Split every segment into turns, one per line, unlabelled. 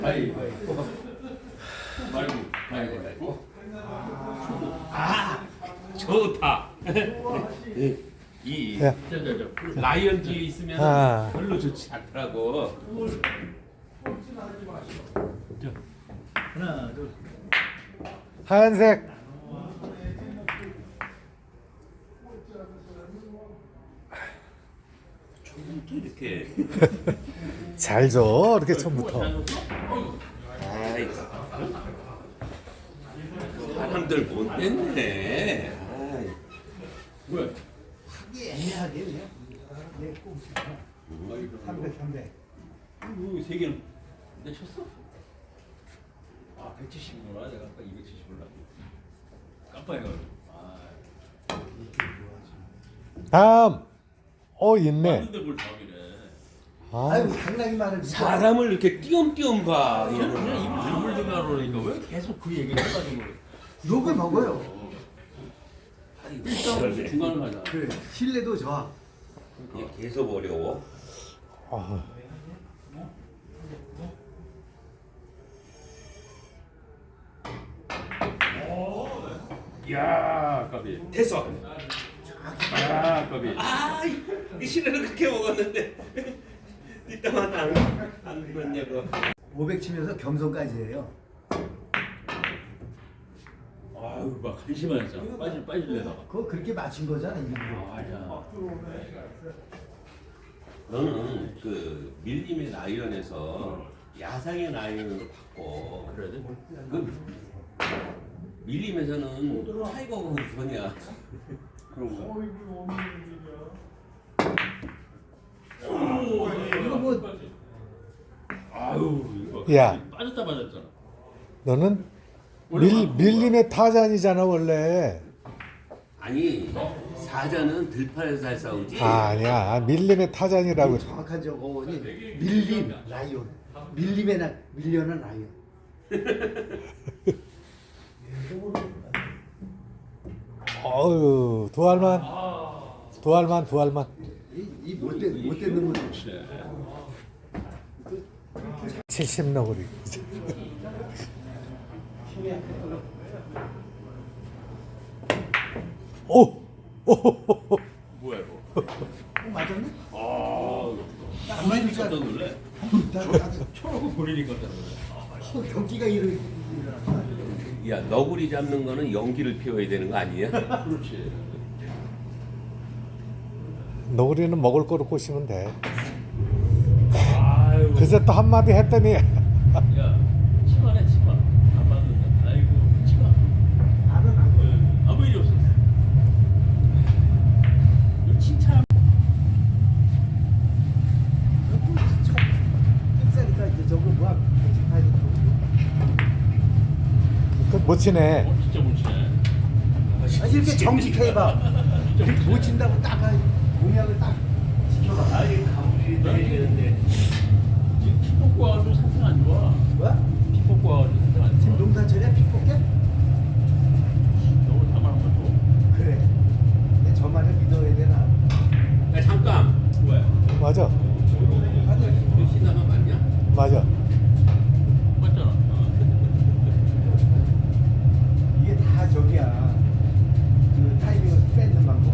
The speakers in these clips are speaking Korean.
가위바위보. 가위바위보. 아, 좋다. 이
야.
라이언 뒤에 있으면
아.
별로 좋지 않더라고.
하나, 둘.
하얀색.
처음부터 이렇게.
잘 줘. 이렇게 처음부터.
아이, 사람들 못 됐네. 아이. 왜?
애매하게 그냥. 내 꼼수. 300.
세 개는 내 쳤어? 아, 170이구나. 내가 아까 270을 깜빡해가지고.
다음. 있네.
맞는데 뭘 답이래.
아,
아이고 당나귀 말을
사람을 이렇게 띄엄띄엄 봐.
그냥 입을 다물다가 그러니까 왜 계속 그 얘기를 해가지고
욕을 먹어요.
일단 중간을 가자.
그래. 신뢰도 좋아.
이게 계속 어려워.
아,
야, 까비. 됐어. 야, 까비. 아, 이 시내는 그렇게 먹었는데 이따만 안 그랬냐고.
500 치면서 겸손까지 해요.
아유 막 한심하잖아 빠질래다가
그거 그렇게 맞춘 거잖아 일부러.
아야
너는 그 밀림의 라이언에서 야상의 라이언으로 바꿔.
그래야 돼?
그 밀림에서는 타이거가 우선이야. 그런 거.
이거 뭐
아유 이거
야.
빠졌다 빠졌잖아
너는 밀림의 타잔이잖아 원래.
아니 사자는 들판에서 잘 싸우지.
아니야. 밀림의 타잔이라고.
정확한 저거니 밀림 라이온. 밀림의 밀려는 라이온.
어유 두 알만. 두 알만.
이 못된 놈은
70 너구리. 오.
뭐야 이거
맞았네?
아
안 맞으니까
깜짝 놀래 초록을 보리니까 깜짝 놀래
경기가 일어났어.
야 너구리 잡는 거는 연기를 피워야 되는 거 아니야?
그렇지
너구리는 먹을 거로 꼬시면 돼.
아유
그새 또 한마디 했더니
야 치마네 치마 안 맞는다 아이고 치마
나는 안 돼.
아무 일이 없었어 이 칭찬
끝사니까 이제 저거 뭐야?
못 치네.
진짜 못 치네
아 이렇게 정직해 봐.
진짜
못 친다고 딱 공약을 딱 지켜봐.
아니 가물이 내리는데
지금 피 뽑고 와가지고 상태가 안 좋아
뭐야?
피 뽑고 와가지고 상태가 안
지금
좋아
농사철에 피 뽑게?
너무 담아놓은 거 줘.
그래. 내 저 말을 믿어야 되나?
야 잠깐
왜?
맞아.
너 신나가 맞냐?
맞아.
맞잖아
이게 다 저기야. 그 타이밍을 뺏는 방법.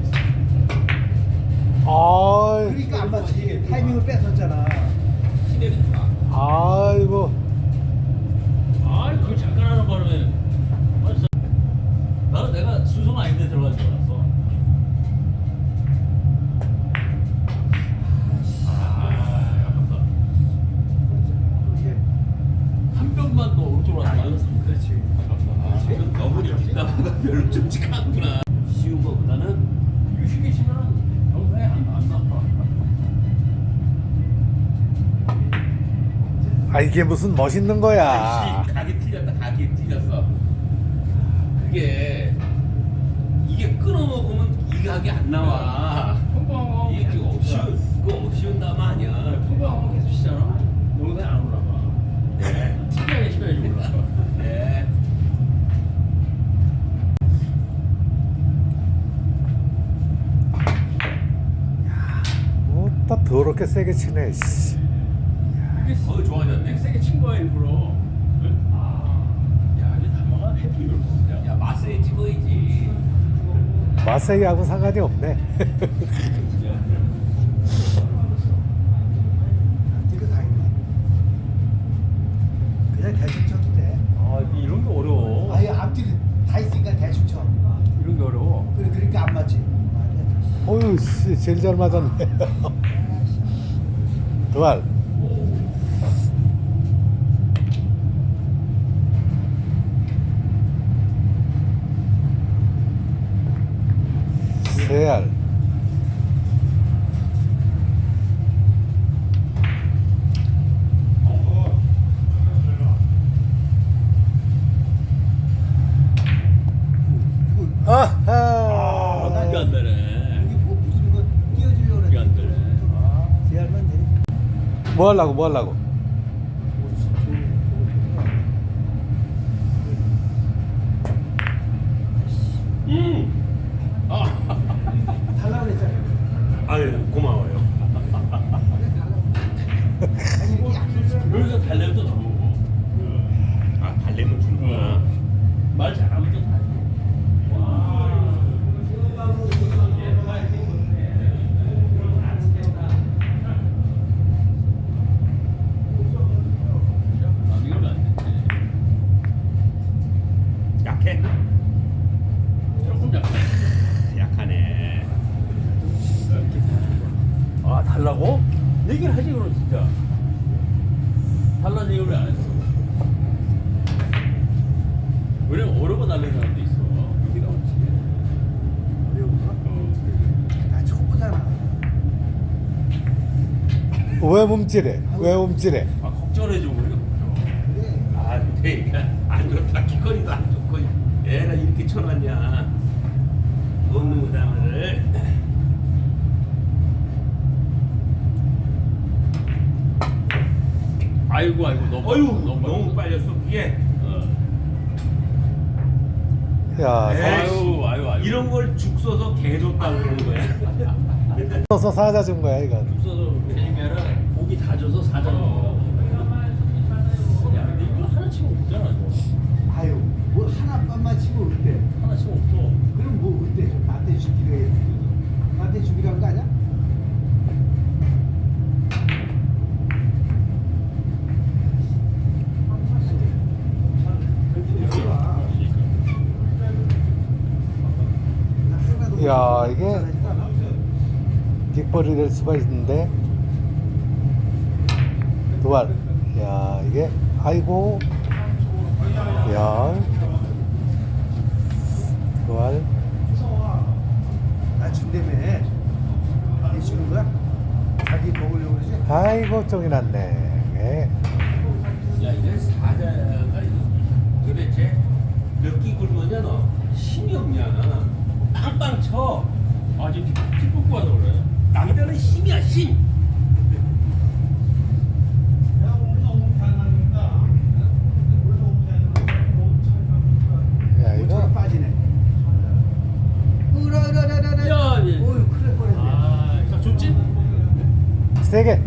아,
그러니까 안 맞지. 타이밍을 뺏었잖아.
시내를 봐.
아이고.
아이 그걸 잠깐 하는 바람에 맞았어 나는 내가 수성 아닌데 들어간 줄 알았어 아 아깝다
이게
한 병만 더 오른쪽으로 나가면
그렇지.
아깝다
지금 너구리 뒷담화가 별로 끔찍하구나. 쉬운 거보다는
유식이 치면은 영상에 안 나빠
아 이게 무슨 멋있는 거야.
각이 틀렸다. 각이 틀렸어. 그게 이게 끊어먹으면 이 각이 안 나와.
평범하고
이게 쉬운 담화 아니야.
평범하고 계속 치잖아 영상에 안 올라가
네.
특이하게 쳐야지 올라가
네.
뭐 또 더럽게 세게 치네. 씨.
이게
더 좋아졌네.
세게 친 거야 일부러. 야 이게 담아가 해피를 먹냐?
야 마세에 찍어야지.
마세이하고 상관이 없네.
이거 다 있네. 그냥 대충 쳐도 돼.
아 이런 게 어려워.
아예 앞뒤로 다 있으니까 대충 쳐.
이런 게 어려워.
그러니까 안 맞지.
어휴, 씨, 제일 잘 맞았네. 두알. 세알. 아하.
이게 안 되네.
여기 뭐 무슨 거 띄워주려고
이게 안
그래.
되네.
제할만 돼.
뭐 하려고, 뭐 하려고.
달라고 그랬잖아.
아유 고마워요.
아니 이렇게 약속 지키고.
여기서 달래면 또 줘.
아 달래면 주는구나.
말 잘하면 또 달.
약해?
조금 약해.
약하네.
아 달라고? 얘기를 하지 그럼 진짜. 달라는 얘기를 왜 안 했어? 왜냐면 어려워 달리는 사람도 있어. 이게 나오지.
어려운가? 나 초보잖아.
왜 몸질해? 왜 몸질해?
아 걱정해줘 우리가 걱정.
그래.
아 근데 안 좋다. 기거리도 안 좋고 애가 이렇게 쳐놨냐. 없는 거다를.
아이고 너무
어휴
너무
너무 빨렸어 그게.
야,
에이,
아유
이런 걸 죽 써서 개 줬다 그러는 거야.
써서 사자 준 거야, 이건.
없어서 괜히 게 아니라 고기 다져서 사자 먹어. 야 근데 이거 하나 치고 없잖아 이거.
아유 뭐 하나만 치고 어때?
하나 치고 없어.
그럼 뭐 어때? 나한테 주기로 해. 나한테 주기로 한 거 아니야?
야, 이게 뒷벌이 될 수가 있는데. 두알. 야, 이게, 아이고. 야. 두알.
나 준다며. 얘 주는 거야? 자기 먹으려고 그러지?
아이고, 쫑이 났네. 예.
야 이게 사자가 도대체 몇 끼 굶었냐 너? 힘이 없냐? 빵빵 쳐.
아 지금 피 뽑고 와서 그래.
남자는 힘이야 힘.
야,
모처럼
이거.
빠지네. 으라라라라라.
야, 예.
어휴 큰일 날 뻔했네.
아, 자 좋지?
세게.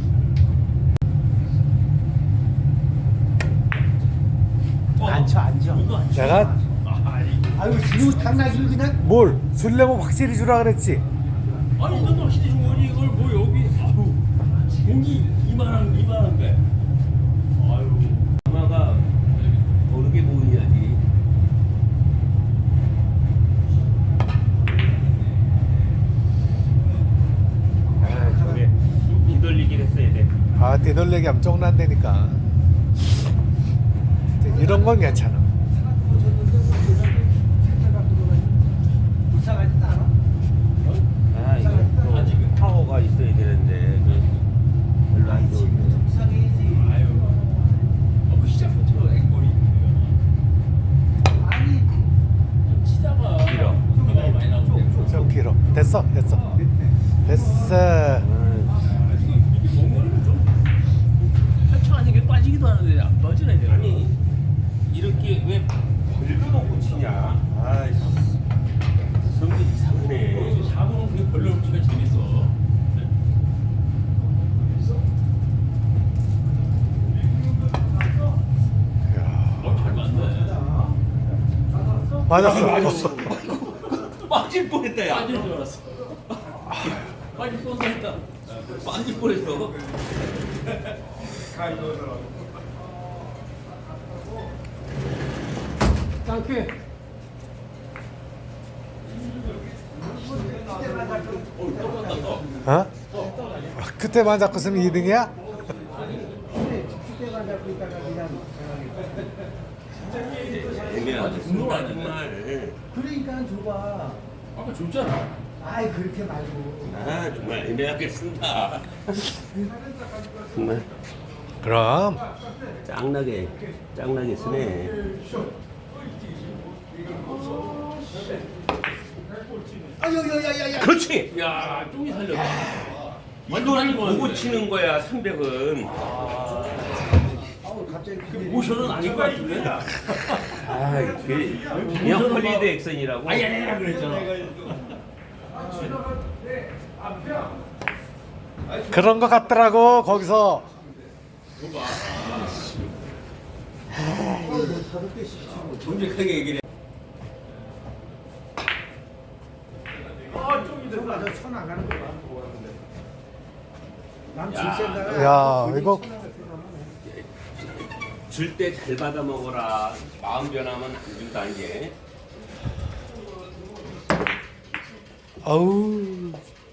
앉혀 앉혀.
이거 안 쳐.
내가
아유 지금 당나귀를 그냥
뭘? 술래면 확실히 주라 그랬지.
아니 이것도 확실히 준 거지 이걸 뭐 여기 아우 공기 이만한데. 아유.
엄마가 모르게 보이냐지. 아 저게 뒤돌리긴 했어야 돼.
아, 뒤돌리기 하면 쫑난다니까. 이런 건 괜찮아.
불쌍하지도 않아?
아 이거 또
아직은?
파워가 있어야 되는데 별로 안 좋은데.
불쌍해야지.
아유. 뭐 시작부터 앵벌이
아니
좀 치다가
길어.
소리가 많이 나오는데.
좀 길어. 됐어, 됐어. 됐어.
이게 멍거리면 좀 하찮은 게 빠지기도 하는데 안 빠지네 내가.
아니 이렇게 왜 벌려놓고 치냐? 아이씨 성격 이상하네.
사고는 그게 별로 치가 재밌어.
맞았어.
빠질 뻔했다 야.
빠질 줄 알았어. 빠질 뻔했다.
빠질 뻔했어.
짱게.
어? 그때만 잡고 있으면 2등이야?
그때만 잡고 있다가 그냥.
애매하지
분노가 안
정말.
그러니까 줘봐.
아까 줬잖아.
아이 그렇게 말고.
아 정말 애매하게 쓴다. 정말
그럼
짱나게 쓰네.
아야야야야야.
그렇지.
야, 쪽이 살렸다.
이거를 보고 치는 거야 300은.
아우 갑자기
모션은 아닌 것 같은데?
아 이게 그냥 헐리드 액션이라고.
아야 그랬잖아.
그런 거 같더라고 거기서.
다섯 개씩 치고.
정직하게 얘기를 해.
저거 저천 나가는 거 봐. 남칠
야.
생각.
야, 이거-
줄 때 잘 받아 먹어라. 마음 변하면 안 준다 이게.
아우.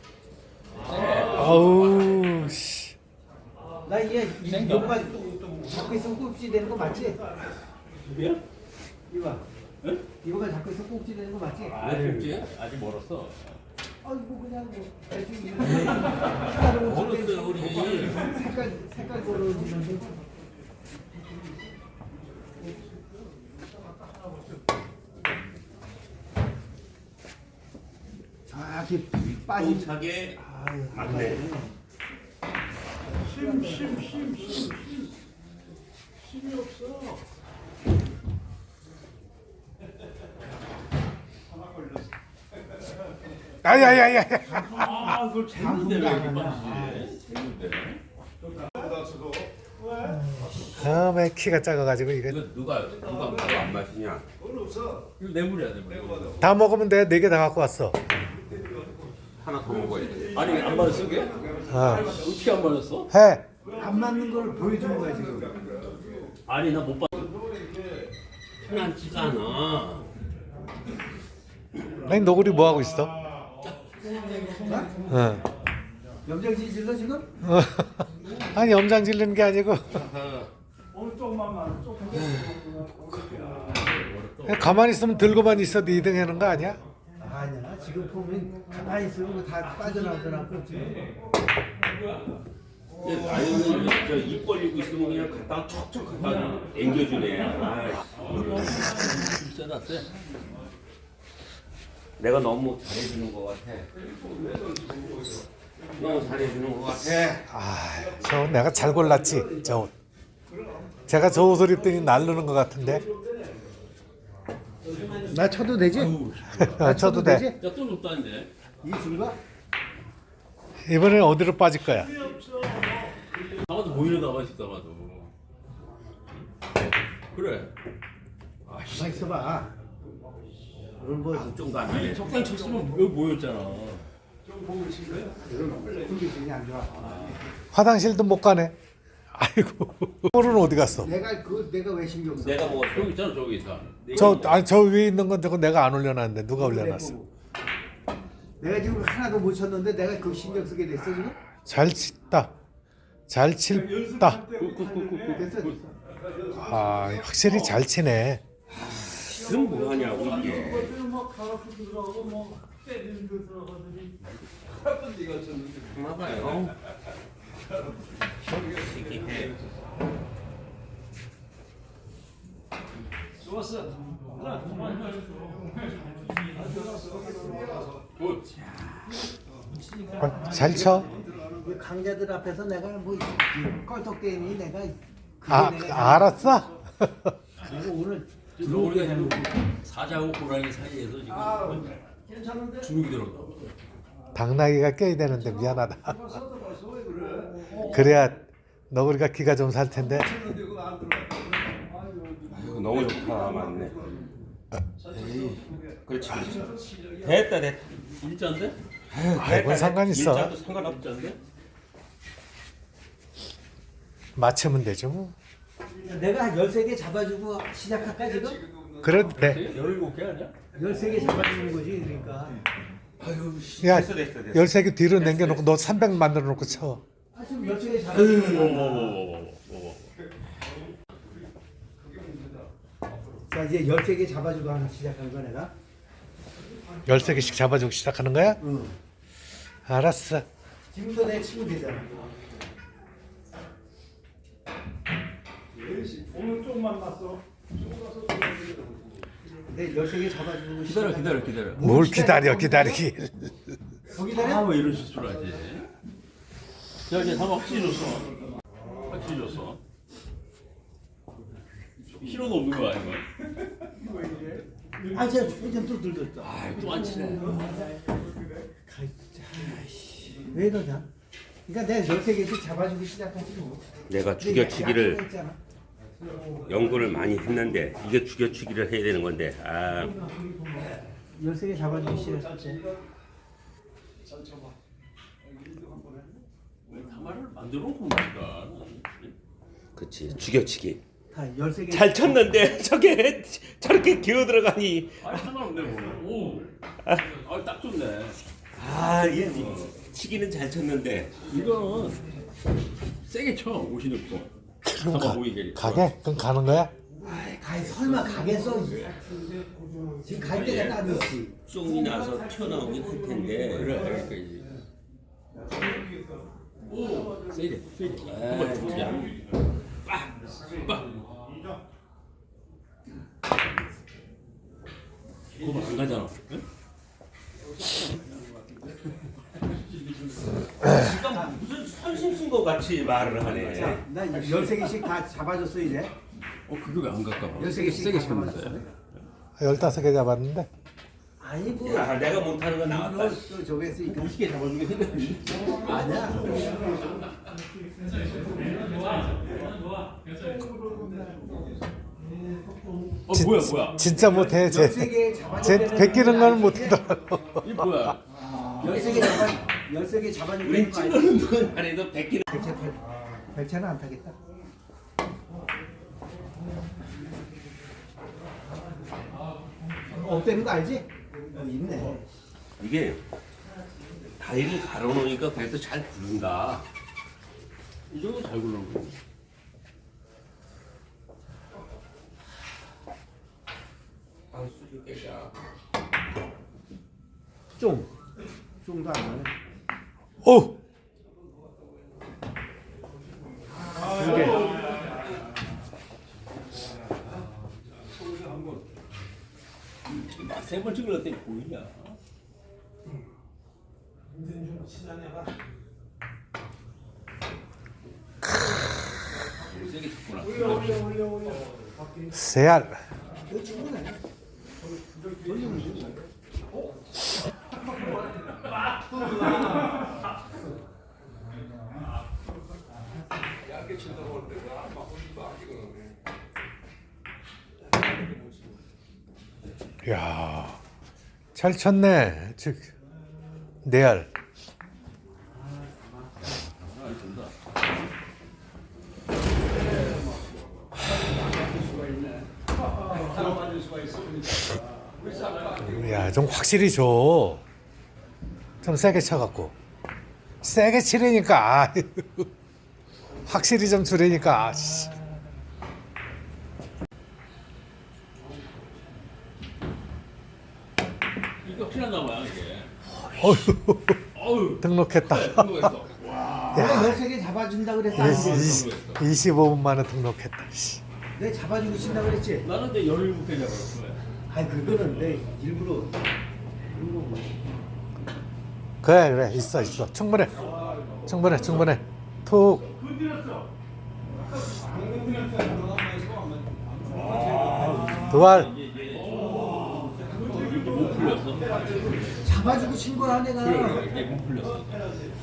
아우. 씨.
나 이게 이거가 잡고 있으면 꼭지 되는 거 맞지?
뭐야?
이거.
응?
이거가 잡고 있으면 꼭지 되는 거 맞지?
아, 그렇지? 아직 멀었어.
아이고 그냥 뭐 대충
멀었어요 우리.
색깔 고르는데. 정확히 빠진.
차게 맞네.
아야야야.
아, 그걸 쟀는데 왜 이렇게 빠지지? 쟀는데.
처음에 키가 작아가지고 이거
이거 누가 뭐가 안 마시냐?
이거 뇌물이야, 뇌물.
다 먹으면 돼. 4개 다 갖고 왔어.
하나 더 먹어야 돼.
아니, 안 맞았어, 그게?
어.
어떻게 안 맞았어?
해.
안 맞는 걸 보여주는 거야 지금.
아니, 나 못 봤어.
편안치가 않아.
아니 너구리 뭐 하고 있어? 어.
염장지 질러 지금?
아니 염장 질르는 게 아니고 그냥 가만히 있으면 들고만 있어도 2등 하는 거 아니야?
아니야 지금 보면 가만히 있으면 다 빠져나오더라고 지금.
아니면 저입 벌리고 있으면 그냥 갖다가 척척 갖다 앵겨주네.
세다, 세.
내가 너무 잘해주는 것 같아. 너무 잘해주는 것 같아.
저 내가 잘 골랐지 저 옷. 제가 저 옷을 입더니 날르는 것 같은데.
나 쳐도 되지?
쳐도 돼.
되지?
야, 또 높다는데.
이 줄가?
이번엔 어디로 빠질 거야?
나와도 보이는 가만 있다 봐도. 그래.
가만 있어봐. 오늘 뭐
걱정도 안 해.
적당히 쳤으면 여기 모였잖아.
컨디션이 안 좋아.
화장실도 못 가네. 아이고. 볼은 어디 갔어?
내가 왜 신경 써?
내가 먹었어.
저기 있잖아, 저기 있다.
저 위에 있는 건 저거 내가 안 올려놨는데 누가 올려놨어?
내가 지금 하나도 못 쳤는데 내가 그 신경 쓰게 됐어 지금?
잘 쳤다. 잘 칠다.
됐어.
아 확실히 잘 치네.
지금 뭐 하냐고 이게. 봐봐요. 이게
잘 쳐.
그 강자들 앞에서 내가 뭐 껄떡대니 내가
아 알았어.
내가 오늘
우리가 지금 사자하고 고라니 사이에서 지금 주눅이 들었다.
당나귀가 껴야 되는데 미안하다. 그래야 너구리가 기가 좀 살 텐데.
아유, 너무 좋다 맞네. 그렇지. 됐다.
일자인데?
아이, 뭔 상관 있어.
일자도 상관없던데.
맞추면 되죠 뭐.
내가 한 13개 잡아주고 시작할까 지금?
그래도 돼.
17개 아니야?
13개 잡아주는 거지 그러니까.
야,
됐어.
13개 뒤로 남겨놓고 너 300 만들어 놓고 쳐.
아 지금 13개 잡아주는 거야. 자 이제 13개 잡아주고 하나 시작한 거 내가.
13개씩 잡아주고 시작하는 거야?
응.
알았어.
지금도 내 치면 되잖아.
오늘 좀 만났어.
내 13개 잡아주고
기다려.
뭘 기다리길.
거기다
뭐 이런 실수를 하지? 야, 이제 다 확실히 줬어. 확실히 줬어. 필요도 없는 거 아니야?
아 제가 회전 또 들렸다.
또 안 치네.
왜 그러냐? 그러니까 내가 13개씩 잡아주고 시작하지 뭐.
내가
근데
죽여치기를
약속을 했잖아.
연구를 많이 했는데 이게 죽여치기를 해야 되는 건데
13개 잡아주고 시작했지.
가마를 만들어 놓고 보니까.
그치 죽여치기
다 13개.
잘 쳤는데 저게 저렇게 기어 들어가니
상관없네 뭐. 오. 딱 좋네.
이 치기는 잘 쳤는데
이거는 세게 쳐. 옷이 넣고. 가마 보이게.
가게? 그럼 가는 거야?
아이 가이 설마 가겠어? 지금 갈 때가 따로 있지.
쫑이 나서 튀어나오긴 할 텐데
그래. 그러니까 이제. 오. 세게. 한번 보자. 빡. 그거 안 가잖아. 응?
지금 무슨 선심 쓴 것 같이 말을 하네.
자, 나 13개씩 다 잡아줬어 이제.
그게 왜 안 갈까 봐.
13개씩
세게
다
쳤는데.
잡아줬어.
15개 잡았는데.
아니 뭐.
야 내가 못하는 거 나왔다.
또 저기 했으니까.
20개 잡아주게 생겼는데.
아니야.
뭐야?
진짜 못해. 쟤
13개 잡아주는
베끼는 건 못하더라고.
이 뭐야?
13개 잡아주는
우린
거 아니야?
찍는 건 아니도 베끼는
백차는 안 타겠다. 없대는 거 알지? 있네.
이게 다리를 가로놓으니까 그래도 잘 부른다.
이 정도 잘 굴러온 거.
방수주 깨자.
쫑도 안 나네.
오!
세 번째 걸었더니 보이냐? 세게 쳤구나.
세알.
이거 충분해.
야, 잘 쳤네. 즉 내알. 야, 좀 확실히 줘. 좀 세게 쳐갖고. 세게 치려니까. 아, 확실히 좀 주려니까. 아, 씨.
이거 확실한가 봐요 이게.
어휴,
어우.
등록했다.
성공했어. 와.
내가 13개 잡아준다 그랬어.
25분 만에 등록했다. 씨.
내가 잡아주고 친다 그랬지?
나는 이제 17개 잡았어.
아니 그거는 내 일부러
그래 있어 충분해 툭 두알
못 풀렸어.
잡아주고 친 거야 내가.
그래 이게 못 풀렸어.